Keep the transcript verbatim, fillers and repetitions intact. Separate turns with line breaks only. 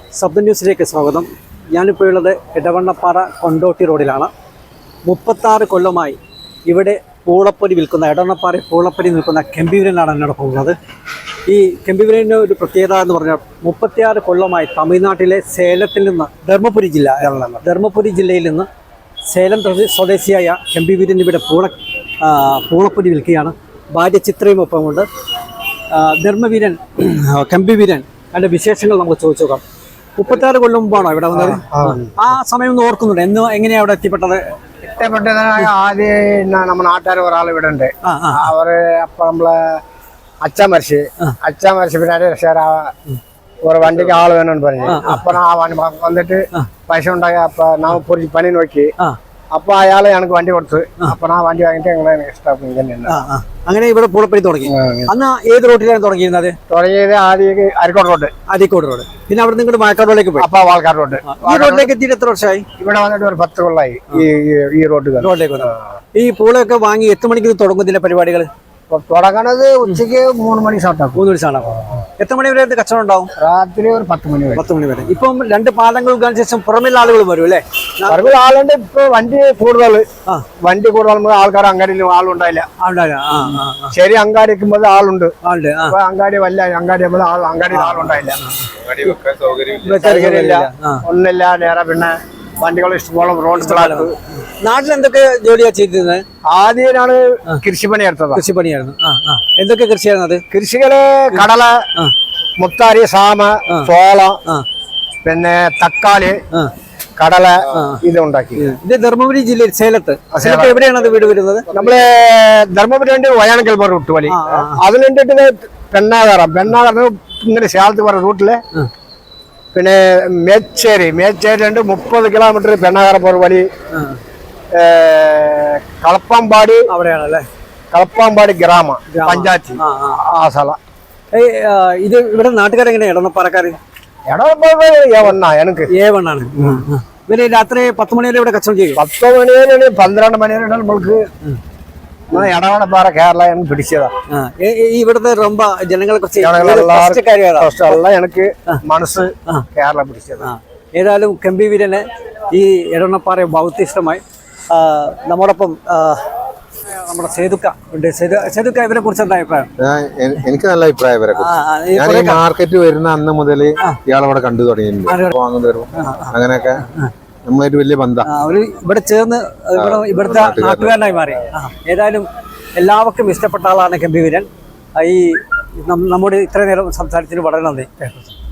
ശബ്ദ ന്യൂസിലേക്ക് സ്വാഗതം. ഞാനിപ്പോൾ ഉള്ളത് ഇടവണ്ണപ്പാറ കൊണ്ടോട്ടി റോഡിലാണ്. മുപ്പത്താറ് കൊല്ലമായി ഇവിടെ പൂളപ്പൊരി വിൽക്കുന്ന ഇടവണ്ണപ്പാറ പൂളപ്പൊരി നിൽക്കുന്ന കെമ്പിവീരനാണ് എന്നോട് പോകുന്നത്. ഈ കെമ്പിവീരൻ്റെ ഒരു പ്രത്യേകത എന്ന് പറഞ്ഞാൽ മുപ്പത്തിയാറ് കൊല്ലമായി തമിഴ്നാട്ടിലെ സേലത്തിൽ നിന്ന് ധർമ്മപുരി ജില്ല ധർമ്മപുരി ജില്ലയിൽ നിന്ന് സേലം സ്വദേശിയായ കെമ്പിവീരൻ ഇവിടെ പൂള പൂളപ്പൊരി വിൽക്കുകയാണ്. ഭാര്യ ചിത്രയും ഒപ്പമുണ്ട്. ധർമ്മവീരൻ കെമ്പിവീരൻ അതിൻ്റെ വിശേഷങ്ങൾ നമുക്ക് ചോദിച്ചു നോക്കാം. മുപ്പത്താറ് കൊല്ലം മുമ്പാണോ ഇവിടെ വന്നത്? ആ സമയം ഒന്ന് ഓർക്കുന്നുണ്ട്. എന്ന് എങ്ങനെയാ അവിടെ എത്തിപ്പെട്ടത്?
എത്തിപ്പെട്ടത് ആദ്യം നമ്മുടെ നാട്ടുകാർ ഒരാൾ ഇവിടെ ഉണ്ട്. അവര് അപ്പൊ നമ്മളെ അച്ഛൻ മരിച്ച് അച്ഛൻ മരിച്ച് പിന്നെ ഒരു വണ്ടിക്ക് ആള് വേണമെന്ന് പറഞ്ഞു. അപ്പൊ ആ വണ്ടി വന്നിട്ട് പൈസ ഉണ്ടാക്കി അപ്പൊ നാ പൊരി പണി നോക്കി. അപ്പൊ അയാളെ ഞങ്ങൾക്ക് വണ്ടി കൊടുത്ത്. അപ്പൊ ആ വണ്ടി വാങ്ങിട്ട് ഞങ്ങളെ ഇഷ്ടം.
അങ്ങനെ ഇവിടെ പൂളപ്പൊരി തുടങ്ങി. അന്ന് ഏത് റോഡിലാണ് തുടങ്ങിയിരുന്നത്?
തുടങ്ങിയത് ആദ്യം അരിക്കോട് റോഡ്.
അരിക്കോട് റോഡ്. പിന്നെ അവിടെ നിങ്ങൾ വാഴക്കാട് റോഡിലേക്ക് പോയി.
അപ്പൊ വാഴക്കാട് റോഡ്.
ഈ റോഡിലേക്ക് എത്തിയിട്ട് എത്ര വർഷമായി?
ഇവിടെ വന്നിട്ട് ഒരു പത്ത് കൊള്ളായി ഈ ഈ റോഡ്
റോഡിലേക്ക് വന്നു. ഈ പൂളൊക്കെ വാങ്ങി എത്ര മണിക്ക് തുടങ്ങുന്നില്ല പരിപാടികൾ?
തുടങ്ങണത് ഉച്ചക്ക് മൂന്ന് മണി സ്റ്റാർട്ടാക്കും.
മൂന്ന് മണി സ്റ്റാർട്ടാക്കും. എത്ര മണി വരെ കച്ചവടം ഉണ്ടാവും?
രാത്രി ഒരു പത്ത് മണി വരെ.
പത്ത് മണി വരെ. ഇപ്പം രണ്ട് പാലങ്ങൾ ശേഷം പുറമേയുള്ള ആളുകൾ വരും അല്ലേ?
പുറമേ ആളുണ്ട്. ഇപ്പൊ വണ്ടി കൂടുതൽ വണ്ടി കൂടുതൽ ആൾക്കാർ അങ്ങാടിയിൽ ആളുണ്ടായില്ല. ശരി, അങ്ങാടി വെക്കുമ്പോൾ ആളുണ്ട്. അപ്പൊ അങ്ങാടി വല്ല അങ്ങാടി ആൾ അങ്ങാടിയിൽ ആളുണ്ടായില്ല. ഒന്നില്ല. നേരെ പിന്നെ വണ്ടികൾ ഇഷ്ടംപോലെ റോഡ്.
നാട്ടിൽ എന്തൊക്കെ ജോലിയാ ചെയ്തിരുന്നത്?
ആദ്യമാണ് കൃഷിപ്പണി എടുത്തത്.
കൃഷിപ്പണിയായിരുന്നു. എന്തൊക്കെ കൃഷിയായിരുന്നു അത്?
കൃഷികള് കടല, മുത്താരി, സാമ, ചോള, പിന്നെ തക്കാളി, കടല ഇത് ഉണ്ടാക്കി.
ഇത് ധർമ്മപുരി ജില്ലയിൽ സേലത്ത്. സേലത്ത് എവിടെയാണ് അത് വീട് വരുന്നത്?
നമ്മള് ധർമ്മപുരി ഉണ്ട് വയാനക്കൽ പറഞ്ഞ റൂട്ട് വലി. അതിലുണ്ടിട്ട് പെണ്ണാകാരം പെണ്ണാകാരം ഇങ്ങനെ സേലത്ത് പറഞ്ഞ റൂട്ടില്. പിന്നെ മേച്ചേരി മേച്ചേരി ഉണ്ട് മുപ്പത് കിലോമീറ്റർ പെണ്ണാകാരം പോற വലി. കളപ്പാമ്പാടി അവിടെയാണല്ലേ? കളപ്പാമ്പാടി ഗ്രാമ പഞ്ചായത്ത് ആ സ്ഥലം.
ഇത് ഇവിടെ നാട്ടുകാരെങ്ങനെയാ? ഇടവണ്ണപ്പാറക്കാര്
ഇടവണ്ണ എനിക്ക്
ഏവണ്ണാണ്. പിന്നെ രാത്രി പത്ത് മണി വരെ ഇവിടെ കച്ചവടം ചെയ്യും.
പത്ത് മണി വരെ പന്ത്രണ്ട് മണി വരെ നമ്മൾക്ക് ഇടവണ്ണപ്പാറ കേരള പിടിച്ചതാ.
ഇവിടുത്തെ ரொம்ப ജനങ്ങളെ കുറിച്ച്
എനിക്ക് മനസ്സ് കേരള പിടിച്ചതാ.
ഏതായാലും കെമ്പിവീരന് ഈ ഇടവണ്ണപ്പാറ ഭൗത്യ ഇഷ്ടമായി. നമ്മോടൊപ്പം നമ്മുടെ സേതുക്ക ഉണ്ട്. സേതുക്ക ഇവരെ കുറിച്ച് എന്താ അഭിപ്രായം?
എനിക്ക് നല്ല അഭിപ്രായം ഇവരെ കുറിച്ച്. ഞാൻ ഈ മാർക്കറ്റ് വരുന്ന അന്ന് മുതൽ ഇയാളവിടെ കണ്ടു തുടങ്ങിയിട്ടുണ്ട്. അങ്ങനെയൊക്കെ നമ്മളായിട്ട് വലിയ ബന്ധം.
അവര് ഇവിടെ ചേർന്ന് ഇവിടുത്തെ നാട്ടുകാരനായി മാറി. ഏതായാലും എല്ലാവർക്കും ഇഷ്ടപ്പെട്ട ആളാണ് കെമ്പിവീരൻ. ഈ നമ്മുടെ ഇത്ര നേരം സംസാരിച്ചതിന് വളരെ നന്ദി.